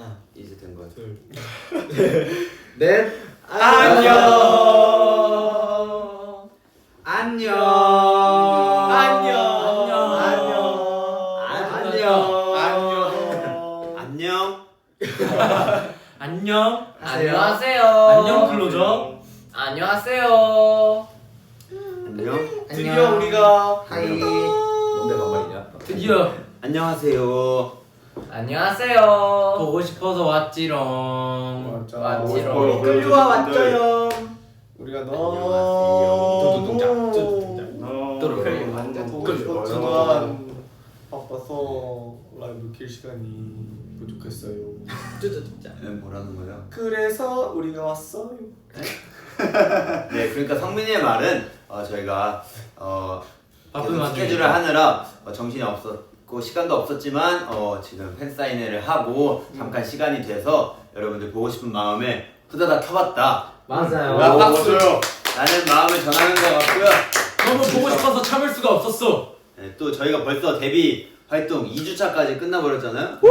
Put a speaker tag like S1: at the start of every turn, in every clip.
S1: 이제 된 거죠.
S2: 넷.
S1: 안녕.
S2: 안녕.
S1: 안녕.
S3: 안녕.
S4: 안녕하세요.
S3: 안녕 클로저.
S4: 안녕하세요.
S1: 안녕.
S2: 드디어 우리가
S1: 하이.
S2: 뭔데 반말이냐?
S3: 드디어
S1: 안녕하세요.
S4: 안녕하세요.
S3: 보고 싶어서 왔지롱.
S4: 왔지롱.
S2: 끌려와 왔죠요.
S5: 우리가
S1: 안녕하세요.
S5: 완전 보고 싶었지만 바빠서 라이브 킬 시간이 부족했어요.
S1: 뭐라는 거야?
S5: 그래서 우리가 왔어요.
S1: 네, 그러니까 성민이의 말은 저희가
S3: 바쁜
S1: 계속
S3: 와중에
S1: 스케줄을 하느라 정신이 없었고 시간도 없었지만 지금 팬 사인회를 하고 잠깐 시간이 돼서 여러분들 보고 싶은 마음에 후다닥 켜봤다.
S4: 맞아요.
S5: 맞아요.
S1: 라는 마음을 전하는 것 같고요.
S3: 너무 보고 싶어서 참을 수가 없었어.
S1: 네, 또 저희가 벌써 데뷔 활동 2주차까지 끝나버렸잖아요.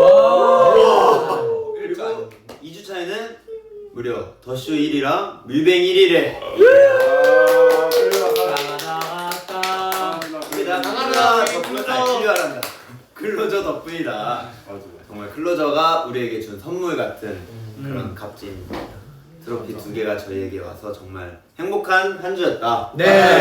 S1: 그리고 2주차에는 무려 더쇼 1위랑 밀뱅 1위를 클로저 덕분이다. 필요하란다. 클로저 덕분이다. 정말 클로저가 우리에게 준 선물 같은 그런 값진 트로피 두 개가 저희에게 와서 정말 행복한 한 주였다.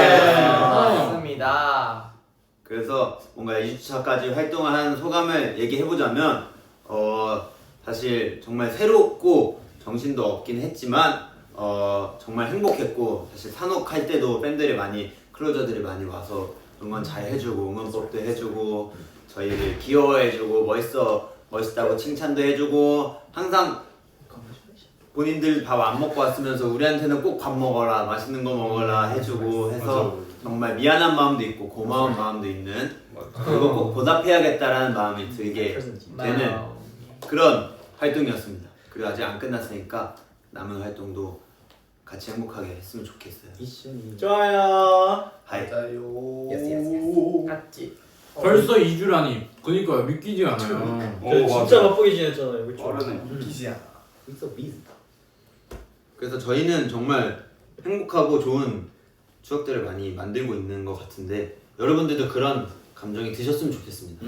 S4: 맞습니다.
S1: 그래서 뭔가 2주차까지 활동을 한 소감을 얘기해보자면 사실 정말 새롭고 정신도 없긴 했지만 정말 행복했고 사실 산옥할 때도 팬들이 많이 클로저들이 많이 와서 응원 잘 해주고 응원법도 해주고 저희를 귀여워해주고 멋있다고 칭찬도 해주고 항상 본인들 밥 안 먹고 왔으면서 우리한테는 꼭 밥 먹어라 맛있는 거 먹어라 해주고 해서 정말 미안한 마음도 있고 고마운 마음도 있는 그리고 꼭 보답해야겠다라는 마음이 들게 되는 그런 활동이었습니다. 그리고 아직 안 끝났으니까 남은 활동도 같이 행복하게 했으면 좋겠어요.
S2: 좋아요.
S1: 하이.
S5: 맞아요.
S4: 같이.
S3: 벌써 2주라니. 그니까요. 믿기지 않아요.
S2: 진짜 바쁘게 지냈잖아요. 그렇죠?
S5: 기지야.
S1: 그래서 저희는 정말 행복하고 좋은 추억들을 많이 만들고 있는 것 같은데 여러분들도 그런 감정이 드셨으면 좋겠습니다.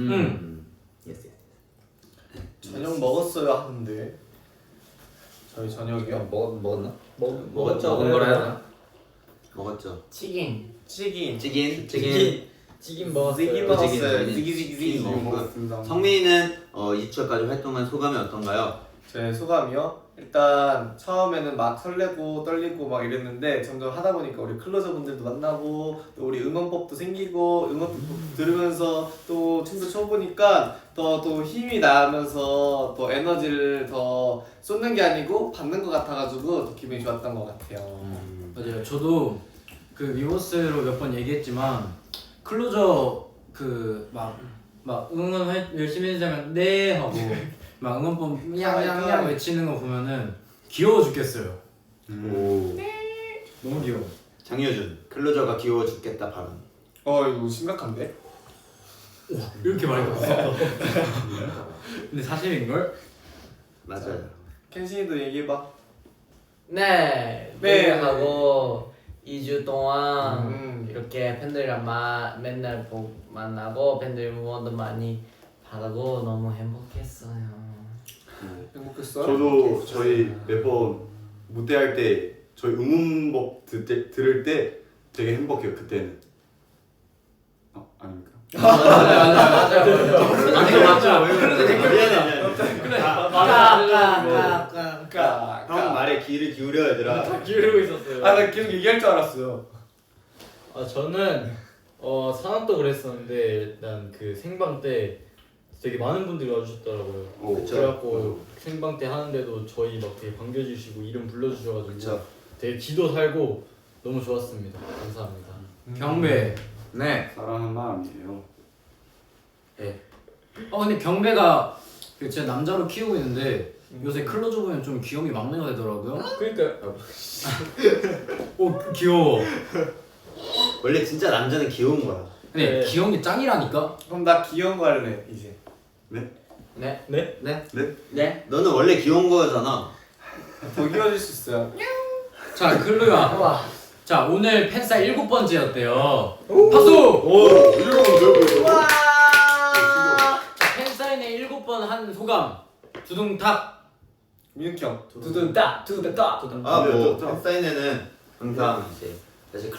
S5: 저녁 먹었어요 하는데 저희 저녁이요?
S2: 먹었나?
S4: 먹었죠.
S2: 먹은 거라 해야 되나?
S1: 먹었죠?
S4: 치킨.
S5: 찌긴
S2: 찌긴 먹었어요.
S5: 찌긴 먹었어요. 찌기찌기 먹었습니다.
S1: 성민이는 2주차까지 활동한 소감이 어떤가요?
S5: 제 소감이요? 일단 처음에는 막 설레고 떨리고 막 이랬는데 점점 하다 보니까 우리 클로저 분들도 만나고 또 우리 응원법도 생기고 응원법 들으면서 또 춤도 춰보니까 또 힘이 나면서 또 에너지를 더 쏟는 게 아니고 받는 것 같아가지고 더 기분이 좋았던 것 같아요.
S3: 맞아요. 저도 그 위버스로 몇 번 얘기했지만 클로저 그 막 응원 열심히 해주자면 네 하고 막 응원법 냥냥냥 외치는 거 보면은 귀여워 죽겠어요.
S1: 오.
S3: 너무 귀여워.
S1: 장효준 클로저가 귀여워 죽겠다 발언.
S5: 이거 심각한데?
S3: 이렇게 많이 들었어. 근데 사실인걸?
S1: 맞아요.
S5: 켄신이도 얘기해봐.
S4: 네.
S5: 네.
S4: 하고 2주 동안
S5: 음.
S4: 이렇게 팬들이랑 맨날 만나고 팬들 응원도 많이 받고 너무 행복했어요.
S5: 행복했어요?
S6: 저도 저희 매번 무대할 때 저희 응원법 들을 때 되게 행복해요. 그때는. 아닙니까?
S3: 맞아.
S1: 미안해. 형 말에
S5: 아까
S1: 귀를 기울여 얘들아.
S2: 기울이고 있었어요.
S5: 나 계속 얘기할 줄 알았어요.
S2: 저는 산업도 그랬었는데 일단 그 생방 때 되게 많은 분들이 와주셨더라고요.
S1: 그쵸.
S2: 그래갖고 생방 때 하는데도 저희 막 되게 반겨주시고 이름 불러주셔가지고
S1: 그쵸.
S2: 되게 기도 살고 너무 좋았습니다. 감사합니다.
S3: 경배.
S1: 네.
S6: 사랑하는 마음이에요.
S3: 근데 경배가 제가 남자로 키우고 있는데 요새 클로저 보면 좀 귀염이 막내가 되더라고요.
S2: 그러니까
S3: 오 귀여워.
S1: 원래 진짜 남자는 귀여운 거야.
S3: 근데
S2: 네.
S3: 귀여운 게 짱이라니까.
S5: 그럼 나 귀여운 거 할래 이제.
S6: 네?
S4: 네.
S2: 네?
S4: 네.
S6: 네?
S4: 네.
S1: 너는 원래 귀여운 거잖아.
S5: 더 귀여워질 수 있어요.
S3: 자 클로야.
S4: 와.
S3: 자 오늘 팬사 7번째였대요. 박수.
S4: 와.
S3: 팬사인회 7번 한 소감. 두둥탁.
S5: 민욱이 형.
S4: 두둥따 두둥따.
S1: 아,
S6: 네,
S1: 뭐
S6: 좋다.
S1: 팬사인회는 항상 이제 사실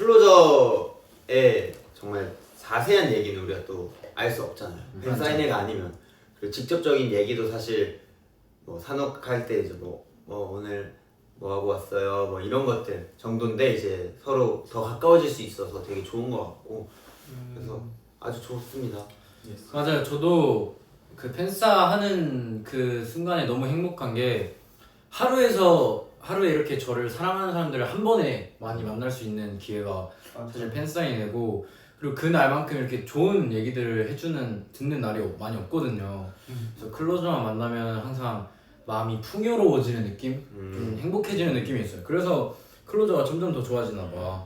S1: 클로저의 정말 자세한 얘기는 우리가 또 알 수 없잖아요. 팬사인회가 아니면 그리고 직접적인 얘기도 사실 뭐 산옥할 때 이제 뭐 오늘 뭐 하고 왔어요 뭐 이런 것들 정도인데 이제 서로 더 가까워질 수 있어서 되게 좋은 것 같고 그래서 아주 좋습니다.
S3: 맞아요. 저도 그 팬싸 하는 그 순간에 너무 행복한 게 하루에 이렇게 저를 사랑하는 사람들을 한 번에 많이 만날 수 있는 기회가 사실 팬사인회고 그리고 그 날만큼 이렇게 좋은 얘기들을 듣는 날이 많이 없거든요. 그래서 클로저만 만나면 항상 마음이 풍요로워지는 느낌? 좀 행복해지는 느낌이 있어요. 그래서 클로저가 점점 더 좋아지나 봐.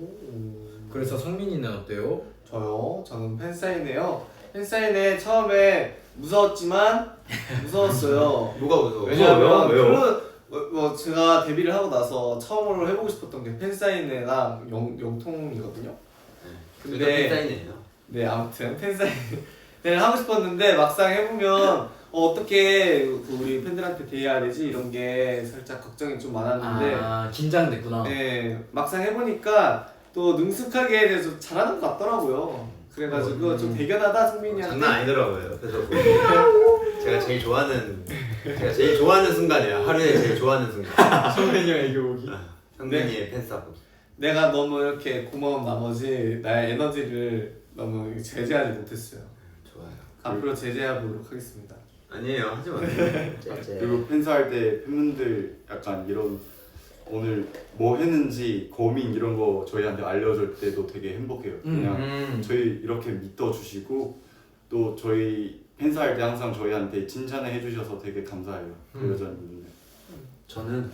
S3: 그래서 성민이는 어때요?
S5: 저는 팬사인회요. 팬사인회 처음에 무서웠지만 무서웠어요.
S1: 뭐가 무서워?
S5: 왜냐면
S1: 왜요?
S5: 뭐 제가 데뷔를 하고 나서 처음으로 해보고 싶었던 게 팬사인회랑 영통이거든요.
S1: 근데 팬사인회예요.
S5: 네, 아무튼 팬사인회를 하고 싶었는데 막상 해보면 어떻게 우리 팬들한테 대해야 되지 이런 게 살짝 걱정이 좀 많았는데
S3: 아 긴장됐구나.
S5: 네, 막상 해보니까 또 능숙하게 돼서 잘하는 것 같더라고요. 그래가지고 좀 대견하다 승민이한테.
S1: 장난 아니더라고요. 옆에서 보고 제가 제일 좋아하는 순간이에요. 하루에 제일 좋아하는 순간.
S2: 성현이 형 애교 오기.
S1: 성민이의 팬싸고.
S5: 내가 너무 이렇게 고마운 나머지 나의 에너지를 너무 제재하지 못했어요.
S1: 좋아요.
S5: 앞으로 제재해보도록 하겠습니다.
S1: 아니에요. 하지 마세요.
S6: 그리고 팬사할 때 팬분들 약간 이런 오늘 뭐 했는지 고민 이런 거 저희한테 알려줄 때도 되게 행복해요. 그냥 저희 이렇게 믿어주시고 또 저희 팬사할 때 항상 저희한테 칭찬을 해주셔서 되게 감사해요. 그 여자분들.
S7: 저는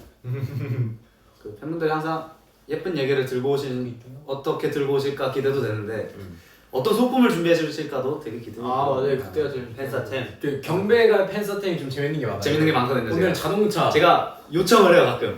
S7: 그 팬분들이 항상 예쁜 얘기를 들고 어떻게 들고 오실까 기대도 되는데 어떤 소품을 준비해 주실까도 되게 기대돼요.
S2: 아 맞아요. 그때가 제일
S1: 팬싸템.
S3: 그 경배가 팬서템이 좀 재밌는 게 많아요.
S7: 재밌는 게 많거든요.
S3: 오늘
S7: 제가.
S3: 자동차.
S7: 제가 요청을 해요 가끔.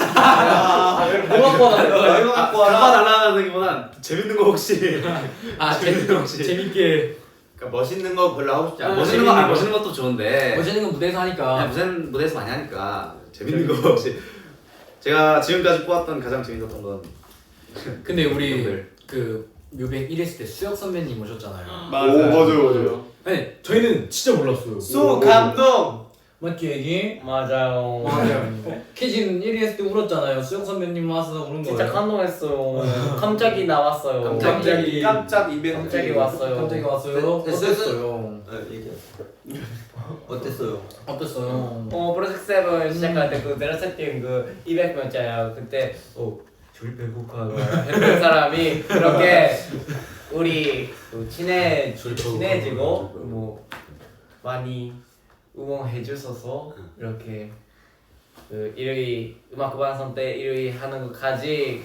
S5: 뭐 갖고 와라? 이거 갖고 와라?
S7: 잡아달라는기보단 재밌는 거 혹시 재밌는 거 혹시
S3: 재밌게
S1: 그러니까 멋있는 거 별로 하고 싶지 않아.
S7: 멋있는 거 멋있는 것도 좋은데
S3: 멋있는 건 무대에서 하니까.
S7: 그냥 무슨 무대에서 많이 하니까 재밌는 거 혹시 제가 지금까지 뽑았던 가장 재밌었던 건
S3: 근데 우리
S7: 분들.
S3: 그 뮤뱅 1했을 때 수혁 선배님 오셨잖아요.
S6: 오 맞아요.
S3: 아니 저희는 진짜 몰랐어요.
S5: 소 감동.
S3: 맞지 얘기?
S4: 맞아요.
S3: 맞아요. 캐진 1위 했을 때 울었잖아요. 수영 선배님 와서 우는 거예요.
S4: 진짜 감동했어요. 갑자기 나왔어요.
S3: 갑자기
S5: 깜짝 이벤트.
S4: 갑자기 왔어요.
S3: 갑자기 왔어요.
S1: 네,
S3: 어땠어요?
S1: 얘기해. 어땠어요?
S3: 어땠어요?
S4: 프로젝트 7 시작할 때 그 내려세팅 그 200명짜리 그때 줄 배고파 했던 사람이 그렇게 우리 또 친해지고 뭐 많이 응원해 주셔서 이렇게 그 1위 음악 방송 때 1위 하는 것까지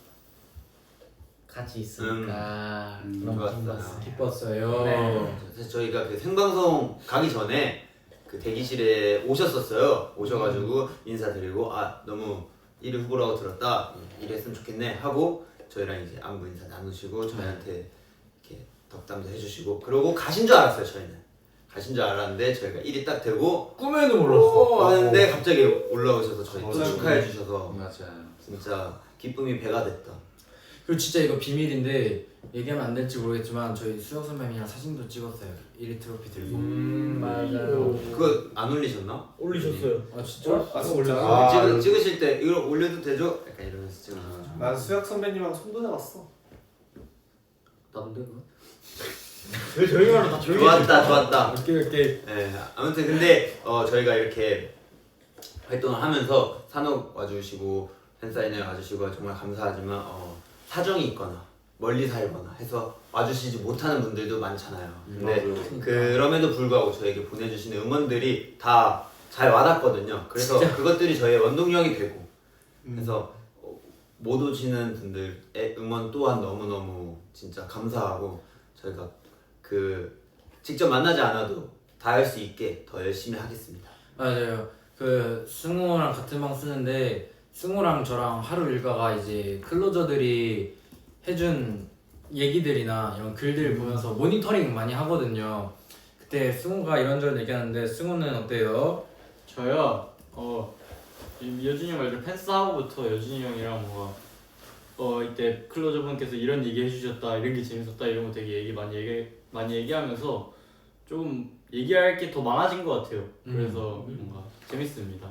S4: 같이 있으니까 너무
S1: 좋았어요.
S3: 기뻤어요.
S4: 네.
S1: 사실 저희가 그 생방송 가기 전에 그 대기실에 오셨었어요. 오셔가지고 인사드리고 너무 1위 후보라고 들었다. 1위 했으면 좋겠네 하고 저희랑 이제 안부 인사 나누시고 저희한테 이렇게 덕담도 해주시고 그러고 가신 줄 알았어요. 저희는 가신 줄 알았는데 저희가 1위 딱 되고
S3: 꿈에도 몰랐어.
S1: 하는데 갑자기 올라오셔서 저희 또
S6: 맞아요.
S1: 축하해 주셔서
S7: 맞아요.
S1: 진짜 기쁨이 배가 됐다.
S3: 그리고 진짜 이거 비밀인데 얘기하면 안 될지 모르겠지만 저희 수영 선배님이랑 사진도 찍었어요. 1위 트로피 들고.
S4: 맞아요.
S1: 그거 안 올리셨나?
S2: 올리셨어요.
S3: 아 진짜?
S5: 아 진짜?
S6: 아,
S1: 찍으실 때 이걸 올려도 되죠? 약간 이러면서 찍어가지고
S5: 난 수혁 선배님하고 손도 잡았어.
S7: 나쁜데 그거?
S2: 왜 저희 말로 다 조용히
S1: 좋았다.
S3: 오케이.
S1: 네, 아무튼 근데 저희가 이렇게 활동을 하면서 산옥 와주시고 팬사인회 와주시고 정말 감사하지만 사정이 있거나 멀리 살거나 해서 와주시지 못하는 분들도 많잖아요. 근데 그럼에도 불구하고 저에게 보내주시는 응원들이 다 잘 와닿거든요. 그래서 그것들이 저의 원동력이 되고 그래서 못 오시는 분들의 응원 또한 너무너무 진짜 감사하고 저희가 그 직접 만나지 않아도 다 할 수 있게 더 열심히 하겠습니다.
S3: 맞아요. 그 승우랑 같은 방 쓰는데 승우랑 저랑 하루 일과가 이제 클로저들이 해준 얘기들이나 이런 글들 보면서 모니터링 많이 하거든요. 그때 승우가 이런저런 얘기하는데 승우는 어때요?
S2: 저요. 여준이 형 말대로 팬싸움부터 여준이 형이랑 뭔가 이때 클로저 분께서 이런 얘기 해주셨다, 이런 게 재밌었다, 이런 거 되게 많이 얘기하면서 좀 얘기할 게 더 많아진 것 같아요. 그래서 뭔가 재밌습니다.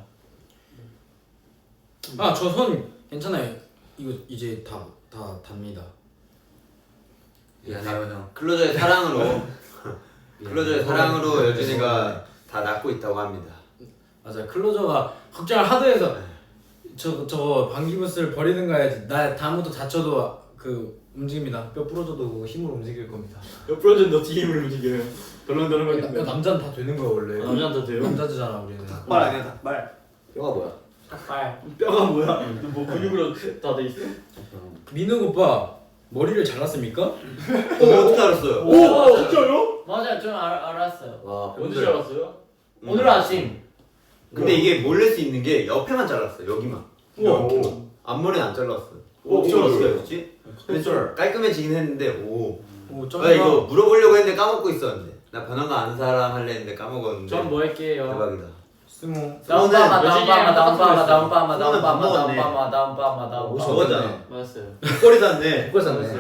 S3: 아, 저 손 괜찮아요. 이거 이제 다 답니다.
S7: 미안해요 형.
S1: 클로저의 사랑으로 클로저의 사랑으로 여준이가 다 낫고 있다고 합니다.
S3: 맞아요. 클로저가 걱정을 하도 해서 저거 방귀부스를 버리든가 해야지. 나 다음부터 다쳐도 그 움직입니다. 뼈 부러져도 힘으로 움직일 겁니다.
S2: 옆으로는 너 뒤힘을 움직여요. 덜렁덜렁거리는
S3: 남자는 다 되는 거야 원래.
S2: 남자한테 돼요?
S3: 남자잖아 우리는.
S5: 닭발 아니야 닭발.
S7: 뼈가 뭐야?
S4: 닭발.
S2: 뼈가 뭐야? 뭐 근육으로 다 돼 있어?
S3: 민우 오빠 머리를 잘랐습니까?
S1: 어떻게 알았어요?
S2: 오 진짜요?
S4: 맞아요, 좀 알았어요.
S7: 와
S2: 언제 알았어요?
S4: 오늘 아침.
S1: 근데 이게 모를 수 있는 게 옆에만 잘랐어. 여기만.
S2: 우와.
S1: 앞머리는 안 잘랐어.
S2: 오,
S1: 어떻게
S2: 어쩌-
S1: 알았지? 근데 좀 깔끔해지긴 했는데 오.
S3: 오
S1: 나 이거 물어보려고 했는데 까먹고 있었는데. 나 변한 거 아는 사람 할래 했는데 까먹었는데.
S2: 전 뭐 할게요?
S1: 대박이다.
S3: 승우.
S1: 저거잖아.
S2: 맞았어요.
S1: 목걸이 샀네.
S7: 그거 샀네.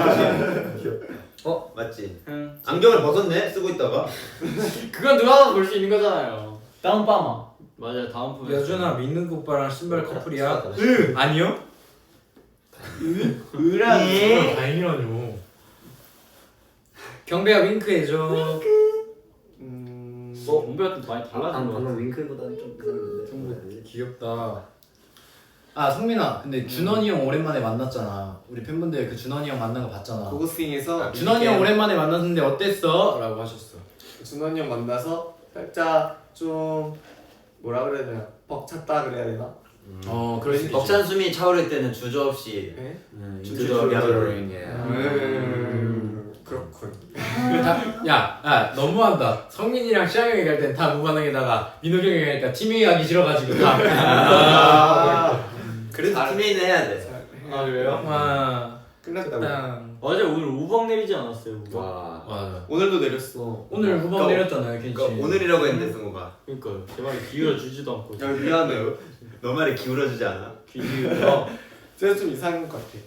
S1: 맞지?
S2: 응.
S1: 안경을 벗었네. 쓰고 있다가.
S2: 그건 누가 볼 수 있는 거잖아요.
S4: 다운파마.
S2: 맞아요. 다음 분.
S3: 여준아 민우 오빠랑 신발 커플이야? 아니요?
S1: 예.
S3: 다행이라뇨. 경배야 윙크해줘.
S2: 공부가 좀 많이 달라진 것 같아.
S7: 방금 윙클보다는 좀 이상한데.
S3: 귀엽다. 아 성민아, 근데 준원이 형 오랜만에 만났잖아. 우리 팬분들 그 준원이 형 만난 거 봤잖아.
S5: 고고싱에서
S3: 준원이 형 오랜만에 만났는데 어땠어? 라고 하셨어.
S5: 준원이 형 만나서 살짝 좀 뭐라 그래야 되나 벅찼다 그래야 되나?
S3: 그럴 수 있지.
S1: 벅찬 숨이 차오를 때는 주저없이
S5: 네?
S1: 주저하게
S5: 그렇군.
S3: 야 너무한다. 성민이랑 시앙이 얘기할 땐 다 무반응에다가 민호이 형이 얘기하니까 팀이 하기 싫어가지고 다.
S1: 그래서 팀메인은 해야 돼.
S2: 아 그래요?
S3: 와.
S5: 끝났다고.
S3: 땅.
S2: 맞아요. 오늘 우박 내리지 않았어요. 우박.
S7: 와.
S3: 맞아.
S5: 오늘도 내렸어.
S3: 오늘 후방
S1: 그러니까
S3: 내렸잖아요, 켄씨.
S1: 그러니까 오늘이라고 했는데 승우가
S2: 그러니까요. 제 말에 기울여 주지도 않고.
S5: 야 미안해요.
S1: 너 말에 기울어주지 않아?
S2: 기울여.
S5: 제가 좀 이상한 것 같아.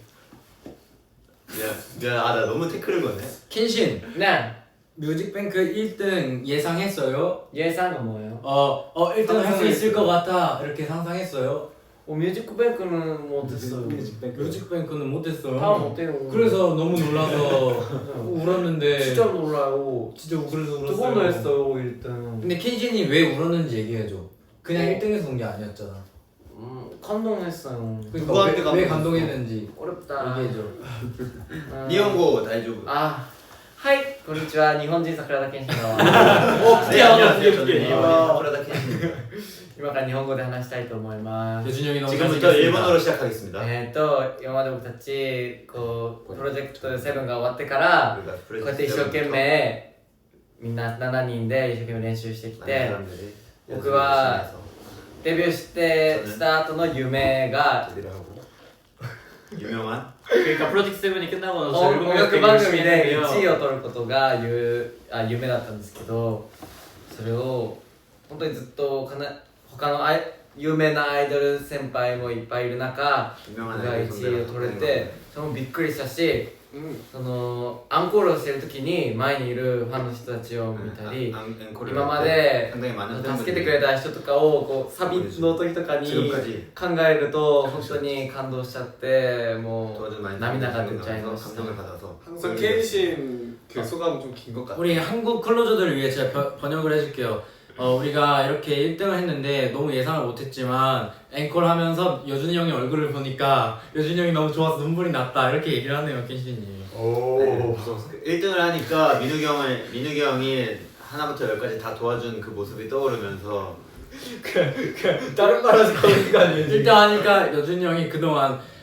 S1: 미안. 나 너무 태클을 거네.
S3: 켄신
S4: 네.
S3: 뮤직뱅크 1등 예상했어요?
S4: 예상은 뭐예요?
S3: 1등 할 수 있을 것 같아 이렇게 상상했어요?
S4: 뮤직뱅크는 못했어요.
S3: 뮤직뱅크는 못했어요.
S4: 다 못해요.
S3: 그래서 너무 놀라서 울었는데
S4: 진짜 놀라요.
S3: 진짜 그래서 울었어요.
S4: 두 번도 했어요 1등.
S3: 근데 켄신이 왜 울었는지 얘기해줘. 그냥 1등에서 온 게 아니었잖아.
S4: 감동했어요.
S3: 그러니까
S5: 누구한테
S3: 왜
S5: 감동했어?
S3: 감동했는지
S4: 어렵다.
S3: 얘기해줘.
S1: 니혼고 다이조부.
S4: 아, 하이, こんにちは。日本人桜田健信の
S1: 네, 안녕하세요. 저는
S2: 네.
S1: 프라다 켄입니다.
S4: 今から日本語で話したいと思います。
S3: 여준이 형이 너무
S1: 지금부터
S3: 잘생겼습니다.
S1: 일본어로 시작하겠습니다.
S4: 今まで僕たちこうプロジェクト7が終わってからこ
S1: 우리가
S4: うやって一生懸命みんな7人で一生懸命練習してき
S1: 많은
S4: て
S1: 사람들이
S4: 僕はデビューしてスタートの夢が
S1: 제대로 하고 유명한
S2: 그러니까 프로젝트 세븐이 끝나고 나서
S4: 音楽番組で1位を取ることが夢だったんですけど、それを本当にずっと他の有名なアイドル先輩もいっぱいいる中、僕
S1: 유명한
S4: が
S1: 아이돌
S4: 1位を取れて、それもびっくりしたし、
S5: うん
S4: そのアンコールをしてる時に前にいるファンの人たちを見たり、
S1: 앵콜을
S4: 今まで
S1: 상당히 많은
S4: 助けてくれた人とかをこうサビの時とかに
S1: 지금까지
S4: 考えると本当に感動しちゃっても
S1: 도와준
S4: う
S1: 많이
S4: 涙が出ちゃいました
S1: 감동을 받아서
S5: 항상 케이신 그 소감 좀 긴 것 같아.
S3: 우리 한국 클로저들을 위해 제가 번역을 해줄게요. 우리가 이렇게 1등을 했는데 너무 예상을 못했지만 앵콜 하면서 여준이 형의 얼굴을 보니까 여준이 형이 너무 좋아서 눈물이 났다 이렇게 얘기를 하네요, 켄신이.
S6: 오.
S1: 1등을 하니까 민욱이 형이 하나부터 열까지 다 도와준 그 모습이 떠오르면서
S2: 다른 말 하지 않은 거 아니에요?
S3: 1등 하니까 여준이 형이 그동안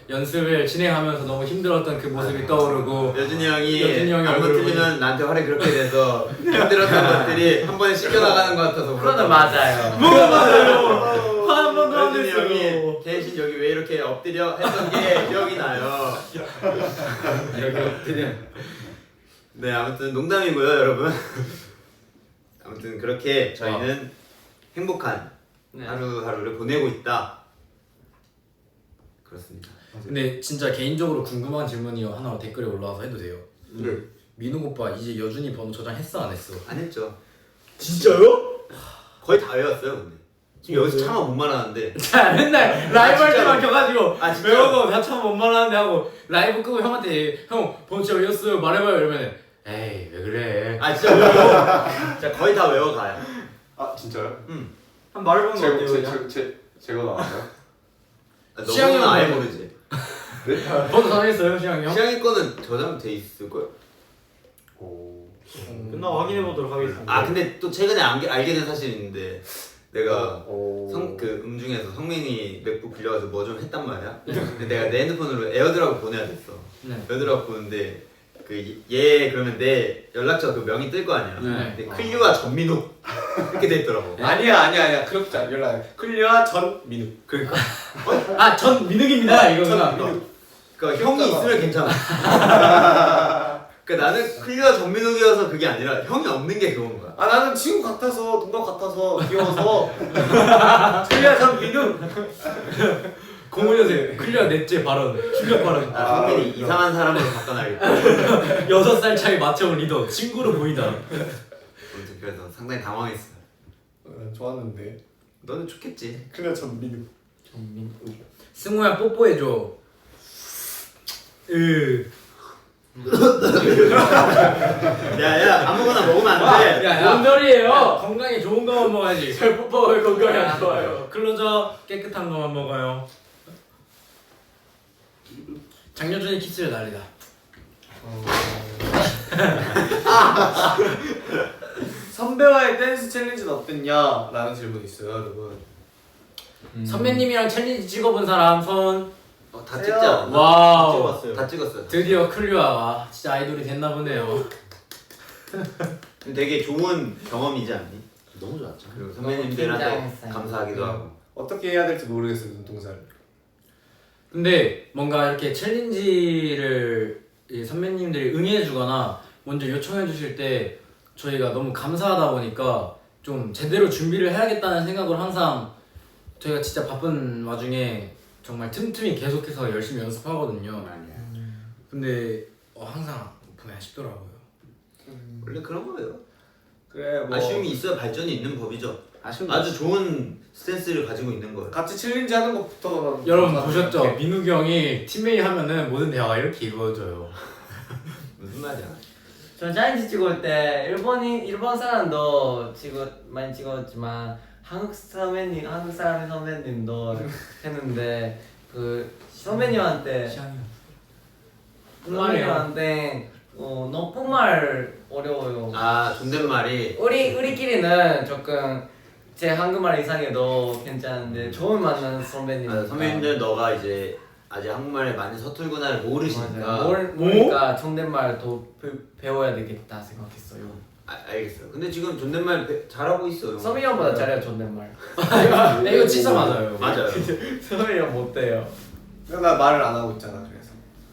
S3: 연습을 진행하면서 너무 힘들었던 그 모습이 떠오르고
S1: 여준이 형이
S3: 여준이 형이
S1: 안무
S3: 얼굴을
S1: 틀리면 나한테 화를 그렇게 내서 힘들었던 것들이 한 번에 씻겨나가는 것 같아서
S4: 그거는 맞아요.
S3: 한 번도 안
S1: 여준이
S3: 했어요.
S1: 형이 대신 여기 왜 이렇게 엎드려 했던 게 기억이 나요.
S3: 여기 엎드려.
S1: 네, 아무튼 농담이고요, 여러분. 아무튼 그렇게 저희는 행복한
S4: 네.
S1: 하루하루를 보내고 있다. 그렇습니다.
S3: 근데 진짜 개인적으로 궁금한 질문이 하나 댓글에 올라와서 해도 돼요.
S1: 네.
S3: 민욱 오빠 이제 여준이 번호 저장했어 안 했어?
S1: 안 했죠.
S3: 진짜요?
S1: 거의 다 외웠어요, 근데. 지금 여기서 차마 못 말하는데.
S3: 자 맨날 라이브 할 때만 켜가지고
S1: 아, 진짜?
S3: 외우고 나 참 못 말하는데 하고 라이브 끄고 형한테 형 번호 진짜 외웠어요 말해봐요 이러면 에이 왜 그래?
S1: 아, 진짜 외워. 진짜 거의 다 외워가요.
S6: 아 진짜요?
S2: 한 말해보는 거 어때요 그냥?
S6: 제가 나왔나요?
S3: 시향이
S1: 너는 아예
S3: 형은-
S1: 모르지.
S3: 번호 저장했어요 시향이 형?
S1: 시향이 거는 저장돼 있을 거예요.
S6: 오.
S2: 끝나고 확인해보도록 하겠습니다.
S1: 아, 근데 또 최근에 알게 된 사실이 있는데 내가
S6: 오.
S1: 그 음중에서 성민이 맥북 빌려가서 뭐 좀 했단 말이야. 근데 내가 내 핸드폰으로 에어드랍을 보내야 됐어.
S3: 네.
S1: 에어드랍 보는데 얘 그러면 내 연락처 그 명이 뜰 거 아니야.
S3: 네.
S1: 근데 클리와 전민욱 이렇게 돼 있더라고.
S5: 아니야 그렇지 않아. 연락 클리어 전민욱.
S1: 그러니까
S3: 아전 민욱입니다 이거구나.
S1: 그러니까 형이 있으면 괜찮아. 그러니까 나는 클리어 전민욱이어서 그게 아니라 형이 없는 게 그건 거야.
S5: 아 나는 친구 같아서 동갑 같아서 귀여워서 클리어 전민욱.
S3: 05년생 클리어 넷째 발언 충격 발언.
S1: 성민이 이상한 사람으로 바꿔놔야겠다.
S3: 6살 차이 맞춰온 리더 친구로 보인다.
S1: 아무튼 그래서 상당히 당황했어.
S5: 좋았는데
S1: 너는 좋겠지.
S5: 클리어 전민욱.
S3: 승우야 뽀뽀해줘.
S1: 야야 아무거나 먹으면 안 돼.
S3: 뭔 소리예요? 건강에 좋은 거만 먹어야지. 잘 뽀뽀해 건강에 안 좋아요. 클로저 깨끗한 거만 먹어요. 장여준이 키스를 날리다.
S5: 선배와의 댄스 챌린지는 어땠냐? 라는 질문이 있어요 여러분.
S3: 선배님이랑 챌린지 찍어본 사람 손.
S1: 다 찍지 않았나?
S3: 와우.
S2: 찍어봤어요.
S1: 다 찍었어요.
S3: 드디어 클리어가 진짜 아이돌이 됐나 보네요.
S1: 되게 좋은 경험이지 않니?
S7: 너무 좋았죠.
S1: 그리고 선배님들한테
S4: 긴장했어요.
S1: 감사하기도 하고.
S5: 어떻게 해야 될지 모르겠어요 눈동자를.
S3: 근데 뭔가 이렇게 챌린지를 이 선배님들이 응해주거나 먼저 요청해 주실 때 저희가 너무 감사하다 보니까 좀 제대로 준비를 해야겠다는 생각을 항상 저희가 진짜 바쁜 와중에 정말 틈틈이 계속해서 열심히 연습하거든요. 근데 항상 보면 아쉽더라고요.
S1: 원래 그런 거예요.
S5: 그래 뭐
S1: 아쉬움이 있어야 발전이 있는 법이죠. 아주 좋은 스탠스를 가지고 있는 거예요.
S5: 같이 챌린지 하는 것부터
S3: 여러분 보셨죠? 민욱이 형이 팀메이 하면은 모든 대화가 이렇게 이루어져요.
S1: 무슨 말이야?
S4: 저 챌린지 찍을 때 일본 사람도 많이 찍었지만 한국 사람의 선배님도 했는데 그 선배님한테 높은 말 어려워요.
S1: 아 존댓말이
S4: 우리끼리는 조금 제 한국말 이상해도 괜찮은데 처음 만나는 선배님.
S1: 선배님들 너가 이제 아직 한국말에 많이 서툴구나를 모르시니까.
S4: 모르니까 존댓말 더 배워야 되겠다 생각했어요.
S1: 알겠어요. 근데 지금 존댓말 잘하고 있어요.
S4: 서민이 형보다 잘해요 존댓말.
S3: 이거 진짜 맞아요.
S1: 맞아요.
S4: 서민이 형 못돼요.
S5: 나 말을 안 하고 있잖아 그래서.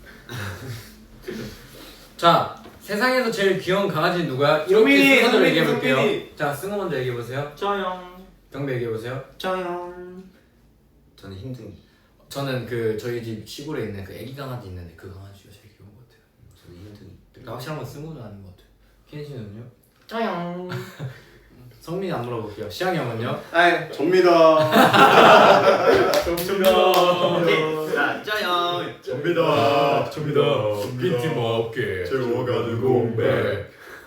S3: 자 세상에서 제일 귀여운 강아지는 누구야?
S5: 성민이,
S3: 이렇게 순서대로
S5: 성민이,
S3: 얘기해 볼게요.
S5: 성민이.
S3: 자 승우 먼저 얘기해 보세요.
S2: 짜영.
S3: 경배 얘기해 보세요.
S2: 짜영.
S1: 저는 힘든.
S3: 저는 그 저희 집 시골에 있는 그 애기 강아지 있는데 그 강아지가 제일 귀여운 것 같아요.
S1: 저는 힘든.
S3: 확실한 건 승우는 아닌 것 같아요. 키엔 씨는요?
S4: 짜영.
S3: 성민이 안 물어볼게요. 시향이 형은요?
S5: 아이
S6: 접니다.
S1: 오케이. 자 짜영.
S6: 접니다.
S3: 빈틈없게
S6: 채워가는 공백.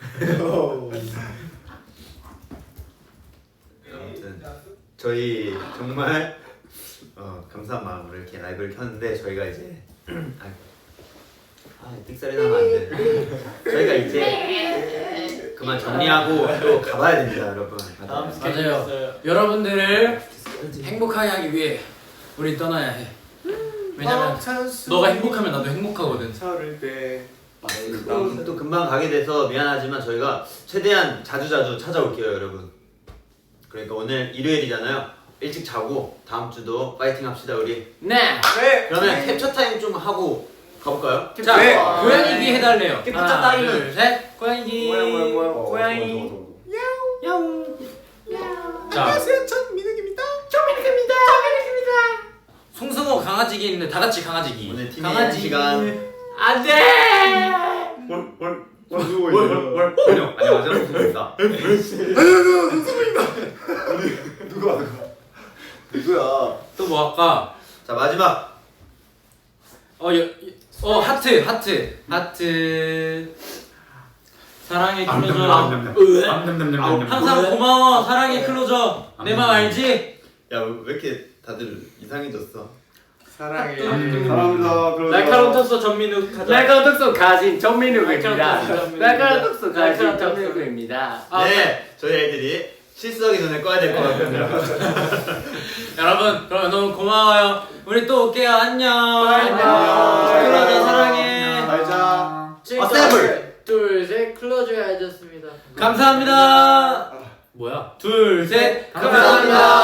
S1: 아무튼 저희 정말 감사한 마음으로 이렇게 라이브를 켰는데 저희가 이제 삑사리 나면 안 돼. 저희가 이제 그만 정리하고 또 가봐야 됩니다, 여러분.
S2: 다음 스케줄
S3: 맞아요.
S2: 있어요.
S3: 여러분들을 행복하게 하기 위해 우리 떠나야 해. 왜냐면 너가 행복하면 나도 행복하거든.
S5: 차를 때
S1: 또 금방 가게 돼서 미안하지만 저희가 최대한 자주자주 찾아올게요 여러분. 그러니까 오늘 일요일이잖아요. 일찍 자고 다음 주도 파이팅 합시다 우리.
S3: 네.
S1: 그러면 캡처 타임 좀 하고 가볼까요?
S3: 자,
S5: 네.
S3: 고양이기 해달래요.
S4: 캡처
S3: 하나,
S4: 타임.
S3: 둘, 셋. 고양이기.
S4: 고양이.
S3: 자,
S5: 안녕하세요 전 민욱입니다.
S3: 송승호 강아지기 있는데 다 같이 강아지기.
S1: 오늘 팀의 한 시간.
S3: 안돼.
S1: 안녕하세요 송승입니다.
S5: 누구야?
S3: 또 뭐 할까?
S1: 자 마지막
S3: 하트. 사랑해 클로저. 항상 고마워. 사랑해 클로저. 내 맘 알지?
S1: 야 왜 이렇게 다들 이상해졌어?
S5: 사랑해.
S6: 사랑합니다. 그러죠.
S2: 날카로운 톡소 전민욱 가자.
S4: 날카로운 톡소 가진 전민욱입니다.
S2: 날카로운
S4: 날카로운 톡소 가진
S2: 날카로운 톡소.
S4: 전민욱입니다.
S1: 네 저희 애들이 실수하기 전에 꺼야 될 것 같거든요.
S3: 여러분, 그럼 너무 고마워요. 우리 또 올게요. 안녕.
S4: 안녕.
S3: 클로저 사랑해.
S5: 잘자.
S1: 어셈블.
S2: 둘, 셋. 클로저야 해줬습니다.
S3: 감사합니다. 뭐야? 둘, 셋. 감사합니다.